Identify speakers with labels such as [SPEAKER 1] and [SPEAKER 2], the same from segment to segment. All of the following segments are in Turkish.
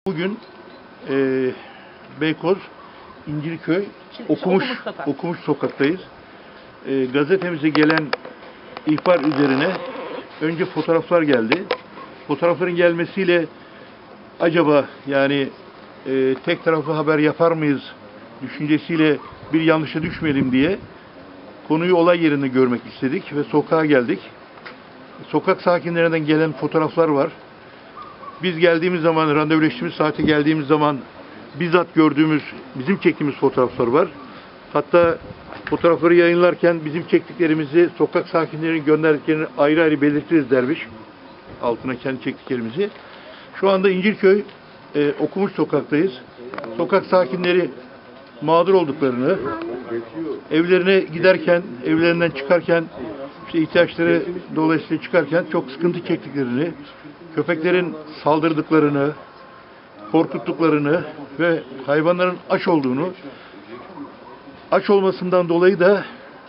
[SPEAKER 1] Bugün Beykoz, İncirköy, Okumuş sokaktayız. Gazetemize gelen ihbar üzerine önce fotoğraflar geldi. Fotoğrafların gelmesiyle acaba yani tek taraflı haber yapar mıyız düşüncesiyle bir yanlışa düşmeyelim diye konuyu olay yerinde görmek istedik ve sokağa geldik. Sokak sakinlerinden gelen fotoğraflar var. Biz geldiğimiz zaman, randevuleştiğimiz saate geldiğimiz zaman bizzat gördüğümüz, bizim çektiğimiz fotoğraflar var. Hatta fotoğrafları yayınlarken bizim çektiklerimizi, sokak sakinlerinin gönderdiklerini ayrı ayrı belirtiriz dermiş. Altına kendi çektiklerimizi. Şu anda İncirköy Okumuş sokaktayız. Sokak sakinleri mağdur olduklarını, evlerine giderken, evlerinden çıkarken, işte ihtiyaçları dolayısıyla çıkarken çok sıkıntı çektiklerini, köpeklerin saldırdıklarını, korkuttuklarını ve hayvanların aç olduğunu, aç olmasından dolayı da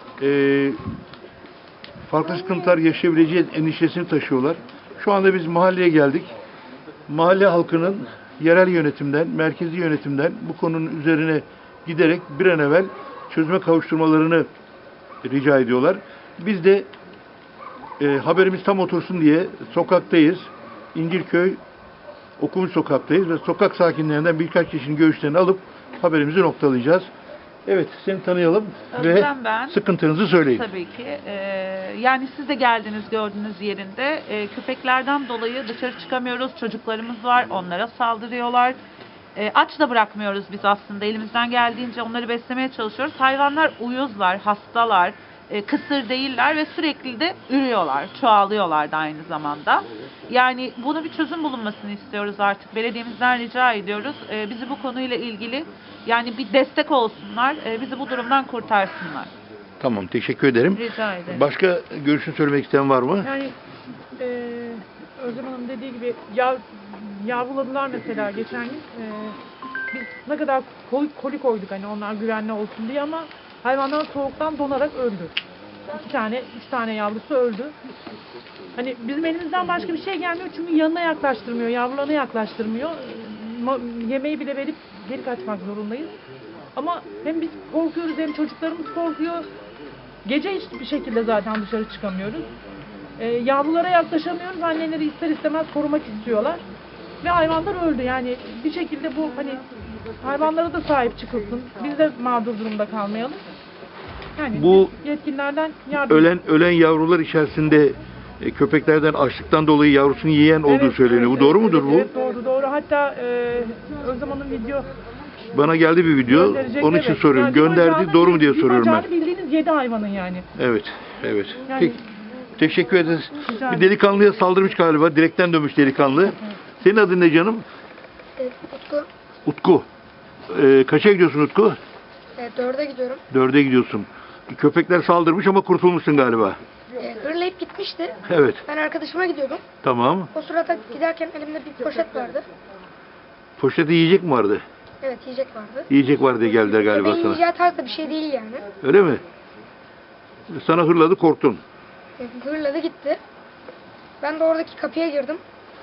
[SPEAKER 1] farklı sıkıntılar yaşayabileceği endişesini taşıyorlar. Şu anda biz mahalleye geldik. Mahalle halkının yerel yönetimden, merkezi yönetimden bu konunun üzerine giderek bir an evvel çözüme kavuşturmalarını rica ediyorlar. Biz de haberimiz tam otursun diye sokaktayız. İncirköy Okumuş sokaktayız ve sokak sakinlerinden birkaç kişinin görüşlerini alıp haberimizi noktalayacağız. Evet, seni tanıyalım ve
[SPEAKER 2] ben.
[SPEAKER 1] Sıkıntınızı söyleyin.
[SPEAKER 2] Tabii ki. Yani siz de geldiniz gördüğünüz yerinde. Köpeklerden dolayı dışarı çıkamıyoruz. Çocuklarımız var. Onlara saldırıyorlar. Aç da bırakmıyoruz biz aslında. Elimizden geldiğince onları beslemeye çalışıyoruz. Hayvanlar uyuzlar, hastalar, kısır değiller ve sürekli de ürüyorlar. Çoğalıyorlar da aynı zamanda. Yani bunu bir çözüm bulunmasını istiyoruz artık. Belediyemizden rica ediyoruz. Bizi bu konuyla ilgili yani bir destek olsunlar. Bizi bu durumdan kurtarsınlar.
[SPEAKER 1] Tamam, teşekkür ederim.
[SPEAKER 2] Rica ederim.
[SPEAKER 1] Başka görüşünü söylemek isteyen var mı?
[SPEAKER 3] Yani Özlem Hanım dediği gibi yavruladılar mesela geçen gün. Biz ne kadar koli koyduk hani onlar güvenli olsun diye ama hayvanlar soğuktan donarak öldü. 3 tane yavrusu öldü. Hani bizim elimizden başka bir şey gelmiyor çünkü yanına yaklaştırmıyor, yavrularını yaklaştırmıyor. Yemeği bile verip geri kaçmak zorundayız. Ama hem biz korkuyoruz hem çocuklarımız korkuyor. Gece hiçbir şekilde zaten dışarı çıkamıyoruz. Yavrulara yaklaşamıyoruz. Anneleri ister istemez korumak istiyorlar. Ve hayvanlar öldü. Yani bir şekilde bu hani hayvanlara da sahip çıkılsın. Biz de mağdur durumda kalmayalım. Yani
[SPEAKER 1] Bu
[SPEAKER 3] yetkililerden yardım.
[SPEAKER 1] ölen yavrular içerisinde köpeklerden açlıktan dolayı yavrusunu yiyen olduğu söyleniyor. Bu doğru mudur bu?
[SPEAKER 3] Evet, doğru. Hatta Özlem Hanım video
[SPEAKER 1] Bana geldi bir video.
[SPEAKER 3] gönderecek,
[SPEAKER 1] Onun için
[SPEAKER 3] evet.
[SPEAKER 1] soruyorum.
[SPEAKER 3] Yani
[SPEAKER 1] Gönderdi. Doğru mu diye soruyorum ben.
[SPEAKER 3] bacağını bildiğiniz 7 hayvanın yani.
[SPEAKER 1] Evet.
[SPEAKER 3] Yani-
[SPEAKER 1] Peki, teşekkür ederiz.
[SPEAKER 3] Rica
[SPEAKER 1] Bir
[SPEAKER 3] ederim.
[SPEAKER 1] delikanlıya saldırmış galiba. Direkten dönmüş delikanlı. Senin adın ne canım?
[SPEAKER 4] Utku.
[SPEAKER 1] Utku. Kaça gidiyorsun Utku?
[SPEAKER 4] 4'e gidiyorum.
[SPEAKER 1] 4'e gidiyorsun. Köpekler saldırmış ama kurtulmuşsun galiba.
[SPEAKER 4] Hırlayıp gitmişti.
[SPEAKER 1] Evet.
[SPEAKER 4] Ben arkadaşıma gidiyordum.
[SPEAKER 1] Tamam.
[SPEAKER 4] O sırada giderken elimde bir poşet vardı.
[SPEAKER 1] Poşette yiyecek mi vardı?
[SPEAKER 4] Evet, yiyecek vardı.
[SPEAKER 1] Yiyecek var diye geldiler galiba
[SPEAKER 4] Benim
[SPEAKER 1] sana.
[SPEAKER 4] yiyeceği tarzda bir şey değil yani.
[SPEAKER 1] Öyle mi? Sana hırladı, korktun.
[SPEAKER 4] Hırladı gitti. Ben de oradaki kapıya girdim.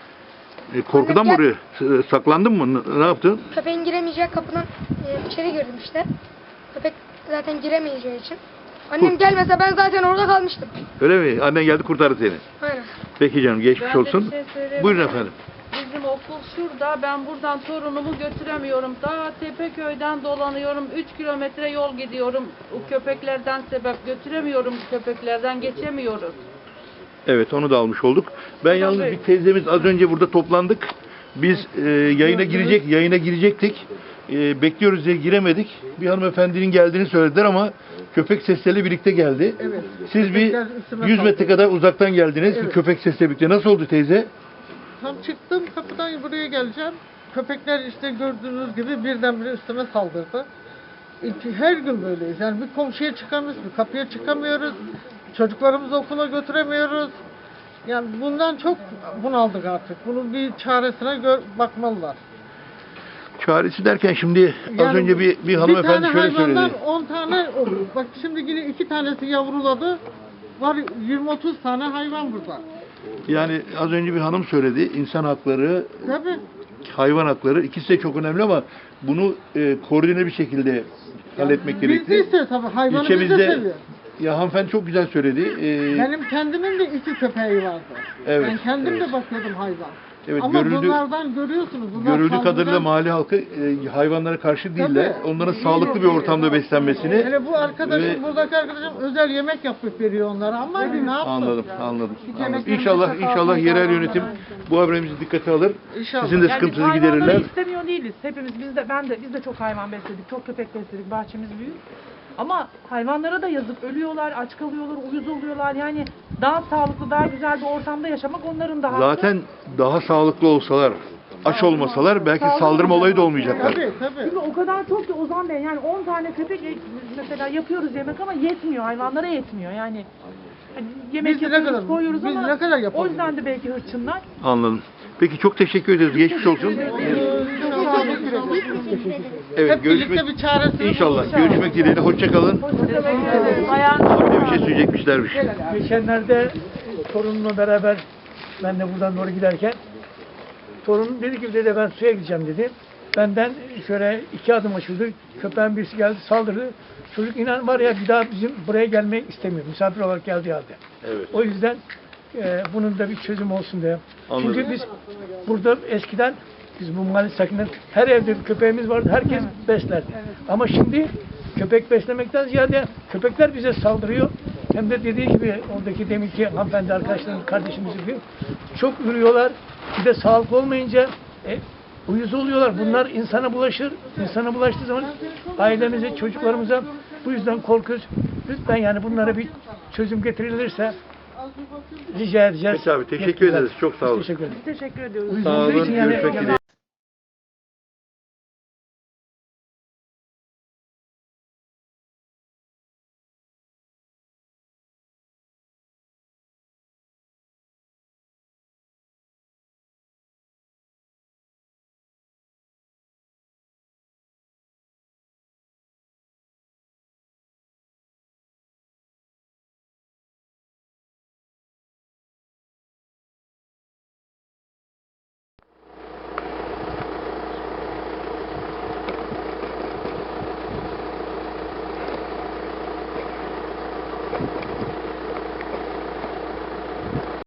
[SPEAKER 1] Korkudan mı oraya saklandın mı? Ne yaptın?
[SPEAKER 4] Köpeğin giremeyeceği kapıdan içeri girdim işte. Köpek zaten giremeyeceği için. Annem gelmese ben zaten orada kalmıştım.
[SPEAKER 1] Öyle mi? Annen geldi kurtardı seni.
[SPEAKER 4] Aynen.
[SPEAKER 1] Peki canım, geçmiş
[SPEAKER 5] Ben de
[SPEAKER 1] olsun.
[SPEAKER 5] bir şey söyleyeyim.
[SPEAKER 1] Buyurun efendim.
[SPEAKER 5] Bizim okul şurada. Ben buradan torunumu götüremiyorum. Daha Tepeköy'den dolanıyorum. 3 kilometre yol gidiyorum. O köpeklerden sebep götüremiyorum. Köpeklerden geçemiyoruz.
[SPEAKER 1] Evet, onu da almış olduk. Ben yalnız bir teyzemiz az önce burada toplandık. Biz yayına girecektik. Bekliyoruz diye giremedik. Bir hanımefendinin geldiğini söylediler ama köpek sesleriyle birlikte geldi.
[SPEAKER 6] Evet.
[SPEAKER 1] Siz bir
[SPEAKER 6] Köpekler üstüme
[SPEAKER 1] 100 metre
[SPEAKER 6] saldırdı.
[SPEAKER 1] kadar uzaktan geldiniz.
[SPEAKER 6] Evet.
[SPEAKER 1] Bir köpek sesiyle birlikte. Nasıl oldu teyze?
[SPEAKER 6] Tam çıktım kapıdan buraya geleceğim. Köpekler işte gördüğünüz gibi birdenbire üstüme saldırdı. Her gün böyleyiz. Yani bir komşuya çıkamıyoruz, bir kapıya çıkamıyoruz. Çocuklarımızı okula götüremiyoruz. Yani bundan çok bunaldık artık. Bunun bir çaresine bakmalılar.
[SPEAKER 1] Çaresi derken şimdi az
[SPEAKER 6] Yani
[SPEAKER 1] önce bir hanımefendi şöyle söyledi.
[SPEAKER 6] hayvandan 10 tane olur. Bak şimdi yine 2 tanesi yavruladı. Var 20-30 tane hayvan burada.
[SPEAKER 1] Yani az önce bir hanım söyledi. İnsan hakları
[SPEAKER 6] Tabii.
[SPEAKER 1] hayvan hakları. İkisi de çok önemli ama bunu koordine bir şekilde halletmek
[SPEAKER 6] Biz de
[SPEAKER 1] gerekli.
[SPEAKER 6] istiyoruz tabii. Hayvanı biz de
[SPEAKER 1] İlçemizde,
[SPEAKER 6] seviyoruz.
[SPEAKER 1] ya hanımefendi çok güzel söyledi.
[SPEAKER 6] Benim kendimin de 2 köpeği vardı.
[SPEAKER 1] Evet,
[SPEAKER 6] Ben kendim
[SPEAKER 1] evet.
[SPEAKER 6] de bakıyordum hayvan.
[SPEAKER 1] Evet,
[SPEAKER 6] Ama
[SPEAKER 1] görüldü-
[SPEAKER 6] bunlardan görüyorsunuz. Bunlar
[SPEAKER 1] Görüldüğü
[SPEAKER 6] saldırgan-
[SPEAKER 1] kadarıyla mahalle halkı hayvanlara karşı değiller. Onların sağlıklı bir ortamda beslenmesini
[SPEAKER 6] Hele bu arkadaşım,
[SPEAKER 1] ve-
[SPEAKER 6] buradaki arkadaşım özel yemek yapıp veriyor onlara ama ne yapsın?
[SPEAKER 1] Anladım.
[SPEAKER 6] yemeklerimizi
[SPEAKER 1] İnşallah yerel yönetim bu haberimizi dikkate alır.
[SPEAKER 6] İnşallah.
[SPEAKER 1] Sizin de
[SPEAKER 3] Yani
[SPEAKER 1] sıkıntınızı
[SPEAKER 3] hayvanları
[SPEAKER 1] giderirler.
[SPEAKER 3] istemiyor değiliz. Hepimiz biz de çok hayvan besledik. Çok köpek besledik. Bahçemiz büyük. Ama hayvanlara da yazık. Ölüyorlar, aç kalıyorlar, uyuz oluyorlar. Yani daha sağlıklı, daha güzel bir ortamda yaşamak onların da hakkı.
[SPEAKER 1] Zaten daha sağlıklı olsalar, aç olmasalar belki saldırma olayı da olmayacaklar.
[SPEAKER 6] Tabii.
[SPEAKER 3] Şimdi o kadar çok ki Ozan Bey, yani 10 tane köpek mesela yapıyoruz yemek ama yetmiyor. Hayvanlara yetmiyor. Yani hani yemek
[SPEAKER 6] Biz ne
[SPEAKER 3] yapıyoruz,
[SPEAKER 6] kadar-
[SPEAKER 3] koyuyoruz
[SPEAKER 6] biz
[SPEAKER 3] ama
[SPEAKER 6] ne kadar
[SPEAKER 3] o
[SPEAKER 6] yapabiliriz?
[SPEAKER 3] yüzden de belki hırçınlar.
[SPEAKER 1] Anladım. Peki çok teşekkür ederiz. Geçmiş olsun. Evet,
[SPEAKER 6] Hep birlikte bir çaresini
[SPEAKER 1] İnşallah. Görüşmek dileğiyle. Hoşça kalın. Anne bir şey söyleyecekmişlermiş.
[SPEAKER 7] Geçenlerde torunumla beraber ben de buradan doğru giderken torunum dedi ki dede ben suya gideceğim dedi. Benden şöyle 2 adım açıldı. Köpeğin birisi geldi saldırdı. Çocuk inan var ya bir daha bizim buraya gelmek istemiyor. Misafir olarak geldiği halde.
[SPEAKER 1] Evet.
[SPEAKER 7] O yüzden bunun da bir çözüm olsun diye.
[SPEAKER 1] Anladım.
[SPEAKER 7] Çünkü biz burada eskiden biz bu mahalle sakinler her evde bir köpeğimiz vardı. Herkes beslerdi. Ama şimdi köpek beslemekten ziyade köpekler bize saldırıyor. Hem de dediği gibi oradaki deminki hanımefendi arkadaşlarım kardeşimiz gibi çok ürüyorlar. Bir de sağlıklı olmayınca uyuz oluyorlar. Bunlar insana bulaşır. İnsana bulaştığı zaman ailemize, çocuklarımıza bu yüzden korkuyoruz. Lütfen yani bunlara bir çözüm getirilirse rica edeceğiz.
[SPEAKER 1] Peki abi, teşekkür ederiz. Çok sağ olun.
[SPEAKER 7] Teşekkür ederiz.
[SPEAKER 3] Teşekkür ediyoruz.
[SPEAKER 7] Uyuz
[SPEAKER 1] Sağ
[SPEAKER 7] olduğu
[SPEAKER 1] olun.
[SPEAKER 7] için yani
[SPEAKER 1] Görüşmek dileğiyle.